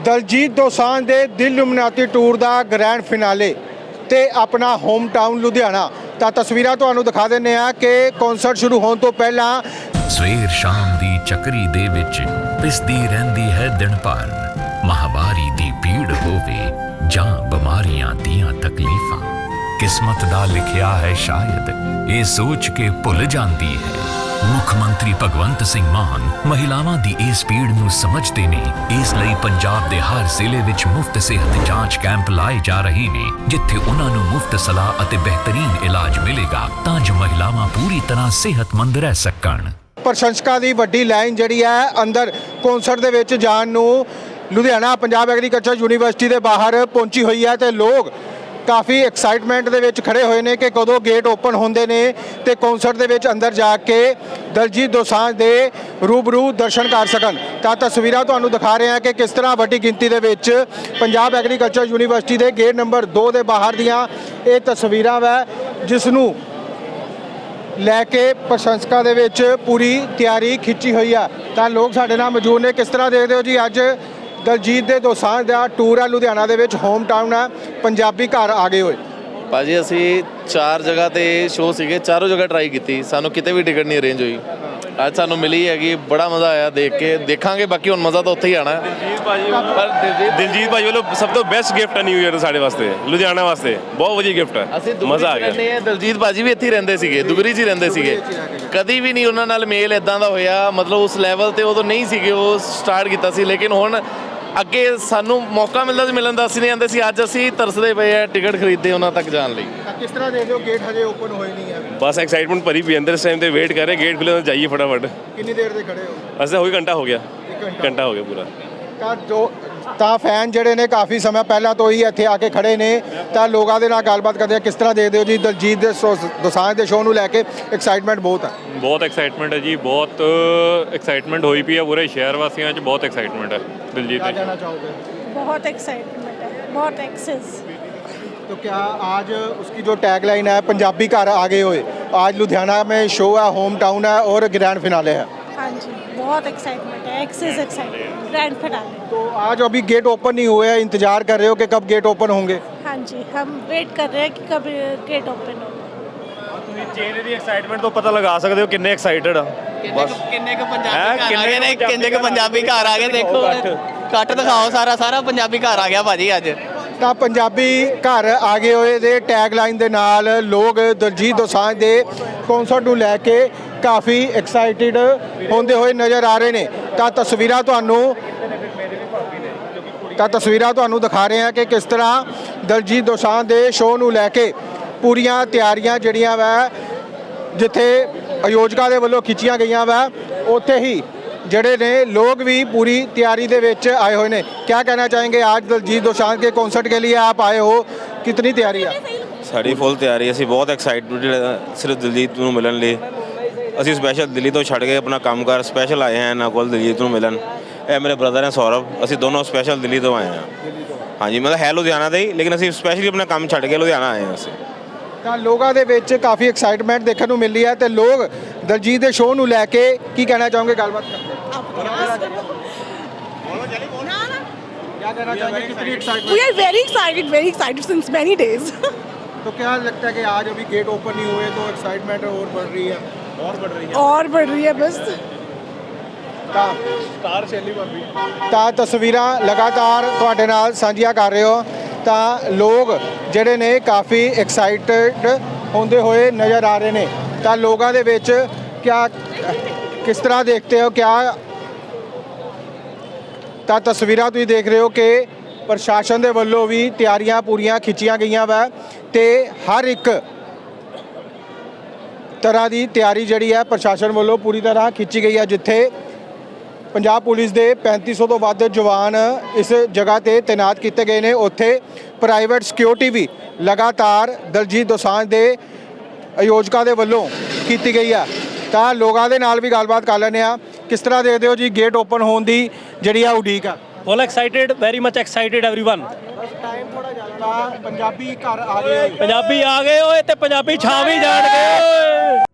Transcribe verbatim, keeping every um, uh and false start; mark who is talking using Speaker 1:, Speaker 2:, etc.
Speaker 1: ਦਲਜੀਤ ਦੋਸਾਂਝ ਦੇ Dil luminati tour ਦਾ grand finale ਤੇ ਆਪਣਾ ਹੋਮ ਟਾਊਨ ਲੁਧਿਆਣਾ। ਤਾਂ ਤਸਵੀਰਾਂ ਤੁਹਾਨੂੰ ਦਿਖਾ ਦਿੰਨੇ ਆ ਕਿ ਕਨਸਰਟ ਸ਼ੁਰੂ ਹੋਣ ਤੋਂ ਪਹਿਲਾਂ
Speaker 2: ਸਵੇਰ ਸ਼ਾਮ ਦੀ ਚੱਕਰੀ ਦੇ ਵਿੱਚ ਪਿਸਦੀ ਰਹਿੰਦੀ ਹੈ ਦਿਨ ਭਰ। ਮਹਾਵਾਰੀ ਦੀ ਭੀੜ ਹੋਵੇ ਜਾਂ ਬਿਮਾਰੀਆਂ ਦੀਆਂ ਤਕਲੀਫਾਂ, ਕਿਸਮਤ ਦਾ ਲਿਖਿਆ ਹੈ ਸ਼ਾਇਦ ਇਹ ਸੋਚ ਕੇ ਭੁੱਲ ਜਾਂਦੀ ਹੈ। ਮੁੱਖ ਮੰਤਰੀ ਭਗਵੰਤ ਸਿੰਘ ਮਾਨ ਮਹਿਲਾਵਾਂ ਦੀ ਇਸ ਪੀੜ ਨੂੰ ਸਮਝਦੇ ਨੇ, ਇਸ ਲਈ ਪੰਜਾਬ ਦੇ ਹਰ ਜ਼ਿਲ੍ਹੇ ਵਿੱਚ ਮੁਫਤ ਸਿਹਤ ਜਾਂਚ ਕੈਂਪ ਲਾਏ ਜਾ ਰਹੇ ਨੇ, ਜਿੱਥੇ ਉਹਨਾਂ ਨੂੰ ਮੁਫਤ ਸਲਾਹ ਅਤੇ ਬਿਹਤਰੀਨ ਇਲਾਜ ਮਿਲੇਗਾ ਤਾਂ ਜੋ ਮਹਿਲਾਵਾਂ ਪੂਰੀ ਤਰ੍ਹਾਂ ਸਿਹਤਮੰਦ ਰਹਿ ਸਕਣ।
Speaker 1: ਪ੍ਰਸ਼ੰਸਕਾਂ ਦੀ ਵੱਡੀ ਲਾਈਨ ਜਿਹੜੀ ਹੈ ਅੰਦਰ ਕਨਸਰਟ ਦੇ ਵਿੱਚ ਜਾਣ ਨੂੰ ਲੁਧਿਆਣਾ ਪੰਜਾਬ ਐਗਰੀਕਲਚਰ ਯੂਨੀਵਰਸਿਟੀ ਦੇ ਬਾਹਰ ਪਹੁੰਚੀ ਹੋਈ ਹੈ ਤੇ ਲੋਕ ਕਾਫੀ ਐਕਸਾਈਟਮੈਂਟ ਦੇ ਵਿੱਚ ਖੜੇ ਹੋਏ ਨੇ ਕਿ ਕਦੋਂ ਗੇਟ ਓਪਨ ਹੁੰਦੇ ਨੇ ਤੇ ਕਨਸਰਟ ਦੇ ਵਿੱਚ ਅੰਦਰ ਜਾ ਕੇ ਦਲਜੀਤ ਦੋਸਾਂਝ ਦੇ ਰੂਬਰੂ ਦਰਸ਼ਨ ਕਰ ਸਕਣ। ਤਾਂ ਤਸਵੀਰਾਂ ਤੁਹਾਨੂੰ ਦਿਖਾ ਰਹੇ ਹਾਂ ਕਿ ਕਿਸ ਤਰ੍ਹਾਂ ਵੱਡੀ ਗਿਣਤੀ ਦੇ ਵਿੱਚ ਪੰਜਾਬ ਐਗਰੀਕਲਚਰ ਯੂਨੀਵਰਸਿਟੀ ਦੇ ਗੇਟ ਨੰਬਰ ਦੋ ਦੇ ਬਾਹਰ ਦੀਆਂ ਇਹ ਤਸਵੀਰਾਂ ਵਾ, ਜਿਸ ਨੂੰ ਲੈ ਕੇ ਪ੍ਰਸ਼ੰਸਕਾਂ ਦੇ ਵਿੱਚ ਪੂਰੀ ਤਿਆਰੀ ਖਿੱਚੀ ਹੋਈ ਆ। ਤਾਂ ਲੋਕ ਸਾਡੇ ਨਾਲ ਮੌਜੂਦ ਨੇ। ਕਿਸ ਤਰ੍ਹਾਂ ਦੇਖਦੇ ਹੋ ਜੀ ਅੱਜ ਦਲਜੀਤ ਦੇ ਦੋਸਾਂਝ ਦਾ ਟੂਰ ਆ ਲੁਧਿਆਣਾ ਦੇ ਵਿੱਚ, ਹੋਮ ਟਾਊਨ ਆ, ਪੰਜਾਬੀ ਘਰ ਆ ਗਏ ਹੋਏ
Speaker 3: ਭਾਜੀ। ਅਸੀਂ ਚਾਰ ਜਗ੍ਹਾ ਤੇ ਸ਼ੋਅ ਸੀਗੇ, ਚਾਰੋਂ ਜਗ੍ਹਾ ਟਰਾਈ ਕੀਤੀ, ਸਾਨੂੰ ਕਿਤੇ ਵੀ ਟਿਕਟ ਨਹੀਂ ਅਰੇਂਜ ਹੋਈ। ਅੱਜ ਸਾਨੂੰ ਮਿਲੀ ਹੈਗੀ, ਬੜਾ ਮਜ਼ਾ ਆਇਆ ਦੇਖ ਕੇ। ਦੇਖਾਂਗੇ ਬਾਕੀ ਹੁਣ ਮਜ਼ਾ ਤਾਂ ਉੱਥੇ ਹੀ ਆਣਾ।
Speaker 4: ਦਿਲਜੀਤ ਭਾਜੀ ਪਰ ਦਿਲਜੀਤ ਭਾਜੀ ਵੱਲੋਂ ਸਭ ਤੋਂ ਬੈਸਟ ਗਿਫਟ ਹੈ ਨਿਊ ਈਅਰ ਸਾਡੇ ਵਾਸਤੇ, ਲੁਧਿਆਣਾ ਵਾਸਤੇ ਬਹੁਤ ਵਧੀਆ ਗਿਫਟ ਹੈ।
Speaker 3: ਅਸੀਂ
Speaker 4: ਮਜ਼ਾ ਆ ਗਿਆ।
Speaker 3: ਦਲਜੀਤ ਭਾਜੀ ਵੀ ਇੱਥੇ ਹੀ ਰਹਿੰਦੇ ਸੀਗੇ, ਦੁਗਰੀ 'ਚ ਹੀ ਰਹਿੰਦੇ ਸੀਗੇ। ਕਦੀ ਵੀ ਨਹੀਂ ਉਹਨਾਂ ਨਾਲ ਮੇਲ ਇਦਾਂ ਦਾ ਹੋਇਆ, ਮਤਲਬ ਉਸ ਲੈਵਲ ਤੇ ਉਦੋਂ ਨਹੀਂ ਸੀਗੇ। ਉਹ ਸਟਾਰਟ ਕੀਤਾ ਸੀ, ਲੇਕਿਨ ਹੁਣ ਅੱਗੇ ਸਾਨੂੰ ਮੌਕਾ ਮਿਲਦਾ ਸੀ ਮਿਲਣ ਦਾ, ਅਸੀਂ ਨਹੀਂ ਆਉਂਦੇ ਸੀ। ਅੱਜ ਅਸੀਂ ਤਰਸਦੇ ਪਏ ਆ ਟਿਕਟ ਖਰੀਦਦੇ ਉਹਨਾਂ ਤੱਕ ਜਾਣ ਲਈ।
Speaker 1: ਕਿਸ ਤਰ੍ਹਾਂ ਦੇਖਦੇ ਹੋ ਗੇਟ ਹਜੇ ਓਪਨ ਹੋਏ ਨਹੀਂ ਹੈ?
Speaker 4: ਬਸ ਐਕਸਾਈਟਮੈਂਟ ਭਰੀ ਪਈ ਅੰਦਰ, ਇਸ ਟਾਈਮ ਤੇ ਵੇਟ ਕਰ ਰਹੇ ਗੇਟ ਖੁੱਲੇ ਤਾਂ ਜਾਈਏ ਫਟਾਫਟ।
Speaker 1: ਕਿੰਨੀ ਦੇਰ ਦੇ ਖੜੇ ਹੋ?
Speaker 4: ਅਸੀਂ ਹੋਈ ਘੰਟਾ ਹੋ ਗਿਆ,
Speaker 1: ਘੰਟਾ
Speaker 4: ਘੰਟਾ ਹੋ ਗਿਆ ਪੂਰਾ।
Speaker 1: ਤਾਂ ਜੋ ਤਾਂ ਫੈਨ ਜਿਹੜੇ ਨੇ ਕਾਫੀ ਸਮਾਂ ਪਹਿਲਾਂ ਤੋਂ ਹੀ ਇੱਥੇ ਆ ਕੇ ਖੜੇ ਨੇ। ਤਾਂ ਲੋਕਾਂ ਦੇ ਨਾਲ ਗੱਲਬਾਤ ਕਰਦੇ ਆ। ਕਿਸ ਤਰ੍ਹਾਂ ਦੇਖਦੇ ਹੋ ਜੀ ਦਲਜੀਤ ਦੇ ਦੋਸਾਂਝ ਦੇ ਸ਼ੋਅ ਨੂੰ ਲੈ ਕੇ? ਐਕਸਾਈਟਮੈਂਟ ਬਹੁਤ ਹੈ।
Speaker 5: ਬਹੁਤ ਐਕਸਾਈਟਮੈਂਟ ਹੈ ਜੀ, ਬਹੁਤ ਐਕਸਾਈਟਮੈਂਟ ਹੋਈ ਪਈ ਹੈ ਪੂਰੇ ਸ਼ਹਿਰ ਵਾਸੀਆਂ 'ਚ। ਬਹੁਤ ਐਕਸਾਈਟਮੈਂਟ ਹੈ ਦਿਲਜੀਤ ਦੇ।
Speaker 1: ਕਹਿਣਾ ਚਾਹੋਗੇ?
Speaker 6: बहुत एक्साइटमेंट है, बहुत एक्सेस।
Speaker 1: तो क्या आज उसकी जो टैगलाइन है पंजाबी घर आगे हुए, आज लुधियाना में शो है, होम टाउन है और ग्रैंड फिनाले है।
Speaker 6: हाँ जी, बहुत एक्साइटमेंट है, एक्सेस एक्साइटमेंट, ग्रैंड फिनाले।
Speaker 1: तो आज अभी गेट ओपन नहीं हुए हैं, इंतजार कर रहे हो कि कब गेट ओपन होंगे?
Speaker 6: हाँ जी, हम वेट कर रहे हैं कि कब गेट ओपन होगा।
Speaker 4: ਤੁਸੀਂ ਚੇਨ ਦੀ ਐਕਸਾਈਟਮੈਂਟ ਤੋਂ ਪਤਾ ਲਗਾ ਸਕਦੇ ਹੋ ਕਿੰਨੇ ਐਕਸਾਈਟਡ ਆ। ਬਸ
Speaker 7: ਕਿੰਨੇ ਕੁ ਪੰਜਾਬੀ ਘਰ ਆ ਗਏ ਨੇ, ਕਿੰਨੇ ਕੁ ਪੰਜਾਬੀ ਘਰ ਆ ਗਏ। ਦੇਖੋ ਕੱਟ ਦਿਖਾਓ, ਸਾਰਾ ਸਾਰਾ ਪੰਜਾਬੀ ਘਰ ਆ ਗਿਆ ਭਾਜੀ ਅੱਜ।
Speaker 1: ਤਾਂ ਪੰਜਾਬੀ ਘਰ ਆ ਗਏ ਹੋਏ ਦੇ ਟੈਗਲਾਈਨ ਦੇ ਨਾਲ ਲੋਕ ਦਲਜੀਤ ਦੋਸਾਂਝ ਦੇ ਕਨਸਰਟ ਨੂੰ ਲੈ ਕੇ ਕਾਫੀ ਐਕਸਾਈਟਿਡ ਹੁੰਦੇ ਹੋਏ ਨਜ਼ਰ ਆ ਰਹੇ ਨੇ। ਤਾਂ ਤਸਵੀਰਾਂ ਤੁਹਾਨੂੰ ਤਾਂ ਤਸਵੀਰਾਂ ਤੁਹਾਨੂੰ ਦਿਖਾ ਰਹੇ ਹਾਂ ਕਿ ਕਿਸ ਤਰ੍ਹਾਂ ਦਲਜੀਤ ਦੋਸਾਂਝ ਦੇ ਸ਼ੋਅ ਨੂੰ ਲੈ ਕੇ ਪੂਰੀਆਂ ਤਿਆਰੀਆਂ ਜਿਹੜੀਆਂ ਵਾ, ਜਿੱਥੇ ਆਯੋਜਕਾਂ ਦੇ ਵੱਲੋਂ ਖਿੱਚੀਆਂ ਗਈਆਂ ਵਾ, ਉੱਥੇ ਹੀ ਜਿਹੜੇ ਨੇ ਲੋਕ ਵੀ पूरी तैयारी ਦੇ ਵਿੱਚ आए हुए ने। क्या कहना चाहेंगे आज दलजीत दोसांझ के कॉन्सर्ट के लिए आप आए हो, कितनी तैयारी है?
Speaker 8: ਸਾਡੀ ਫੁੱਲ ਤਿਆਰੀ। ਅਸੀਂ ਬਹੁਤ ਐਕਸਾਈਟਡ ਸਿਰਫ ਦਿਲਜੀਤ ਨੂੰ ਮਿਲਣ ਲਈ। ਅਸੀਂ ਸਪੈਸ਼ਲ ਦਿੱਲੀ ਤੋਂ ਛੱਡ ਕੇ ਆਪਣਾ ਕੰਮਕਾਰ ਸਪੈਸ਼ਲ ਆਏ ਹਾਂ ਇਹਨਾਂ ਕੋਲ ਦਿਲਜੀਤ ਨੂੰ ਮਿਲਣ। ਇਹ ਮੇਰੇ ਬ੍ਰਦਰ ਹੈ ਸੌਰਵ, ਅਸੀਂ ਦੋਨੋਂ ਸਪੈਸ਼ਲ ਦਿੱਲੀ ਤੋਂ ਆਏ ਹਾਂ। ਹਾਂਜੀ, ਮਤਲਬ ਹੈ ਲੁਧਿਆਣਾ ਦੇ ਹੀ, ਲੇਕਿਨ ਅਸੀਂ ਸਪੈਸ਼ਲੀ ਆਪਣਾ ਕੰਮ ਛੱਡ ਕੇ ਲੁਧਿਆਣਾ ਆਏ ਹਾਂ ਅਸੀਂ।
Speaker 1: ਤਾਂ ਲੋਕਾਂ ਦੇ ਵਿੱਚ ਕਾਫੀ ਐਕਸਾਈਟਮੈਂਟ ਦੇਖਣ ਨੂੰ ਮਿਲ ਰਹੀ ਹੈ ਤੇ ਲੋਕ ਦਲਜੀਤ ਦੇ ਸ਼ੋਅ ਨੂੰ ਲੈ ਕੇ ਕੀ ਕਹਿਣਾ ਚਾਹੋਗੇ? ਗੱਲਬਾਤ ਕਰਦੇ हैं। क्या कहना चाहेंगे? कितनी excitement?
Speaker 6: We are very excited, very excited since many days.
Speaker 1: तो क्या लगता है कि आज अभी गेट ओपन नहीं हुए तो एक्साइटमेंट और बढ़ रही है? और बढ़ रही है
Speaker 6: और बढ़ रही है बस।
Speaker 1: ਤਾਂ ਸਟਾਰ ਸ਼ੈਲੀ ਭਾਬੀ ਤਾਂ ਤਸਵੀਰਾਂ ਲਗਾਤਾਰ ਤੁਹਾਡੇ ਨਾਲ ਸਾਂਝੀਆਂ ਕਰ ਰਹੇ ਹੋ। ਤਾਂ ਲੋਕ ਜਿਹੜੇ ਨੇ ਕਾਫੀ ਐਕਸਾਈਟਡ ਹੁੰਦੇ ਹੋਏ ਨਜ਼ਰ ਆ ਰਹੇ ਨੇ। ਤਾਂ ਲੋਕਾਂ ਦੇ ਵਿੱਚ ਕਿਆ ਕਿਸ ਤਰ੍ਹਾਂ ਦੇਖਦੇ ਹੋ ਕਿਆ? ਤਾਂ ਤਸਵੀਰਾਂ ਤੁਸੀਂ ਦੇਖ ਰਹੇ ਹੋ ਕਿ ਪ੍ਰਸ਼ਾਸਨ ਦੇ ਵੱਲੋਂ ਵੀ ਤਿਆਰੀਆਂ ਪੂਰੀਆਂ ਖਿੱਚੀਆਂ ਗਈਆਂ ਵਾ ਤੇ ਹਰ ਇੱਕ ਤਰ੍ਹਾਂ ਦੀ ਤਿਆਰੀ ਜਿਹੜੀ ਹੈ ਪ੍ਰਸ਼ਾਸਨ ਵੱਲੋਂ ਪੂਰੀ ਤਰ੍ਹਾਂ ਖਿੱਚੀ ਗਈ ਹੈ। ਜਿੱਥੇ ਪੰਜਾਬ ਪੁਲਿਸ ਦੇ ਪੈਂਤੀ ਸੌ ਤੋਂ ਵੱਧ ਜਵਾਨ ਇਸ ਜਗ੍ਹਾ ਤੇ ਤੈਨਾਤ ਕੀਤੇ ਗਏ ਨੇ, ਉੱਥੇ ਪ੍ਰਾਈਵੇਟ ਸਿਕਿਉਰਿਟੀ ਵੀ ਲਗਾਤਾਰ ਦਲਜੀਤ ਦੋਸਾਂਝ ਦੇ ਆਯੋਜਕਾਂ ਦੇ ਵੱਲੋਂ ਕੀਤੀ ਗਈ ਆ। ਤਾਂ ਲੋਕਾਂ ਦੇ ਨਾਲ ਵੀ ਗੱਲਬਾਤ ਕਰ ਲੈਂਦੇ ਆ। ਕਿਸ ਤਰ੍ਹਾਂ ਦੇਖਦੇ ਹੋ ਜੀ ਗੇਟ ਓਪਨ ਹੋਣ ਦੀ ਜਿਹੜੀ ਆ ਉਡੀਕ ਆ?
Speaker 9: Full excited, very much excited everyone.
Speaker 1: Time ਥੋੜਾ ਜ਼ਿਆਦਾ, ਪੰਜਾਬੀ ਘਰ ਆ ਗਏ,
Speaker 9: ਪੰਜਾਬੀ ਆ ਗਏ ਓਏ ਤੇ ਪੰਜਾਬੀ ਛਾ ਵੀ ਜਾਣਗੇ ਓਏ।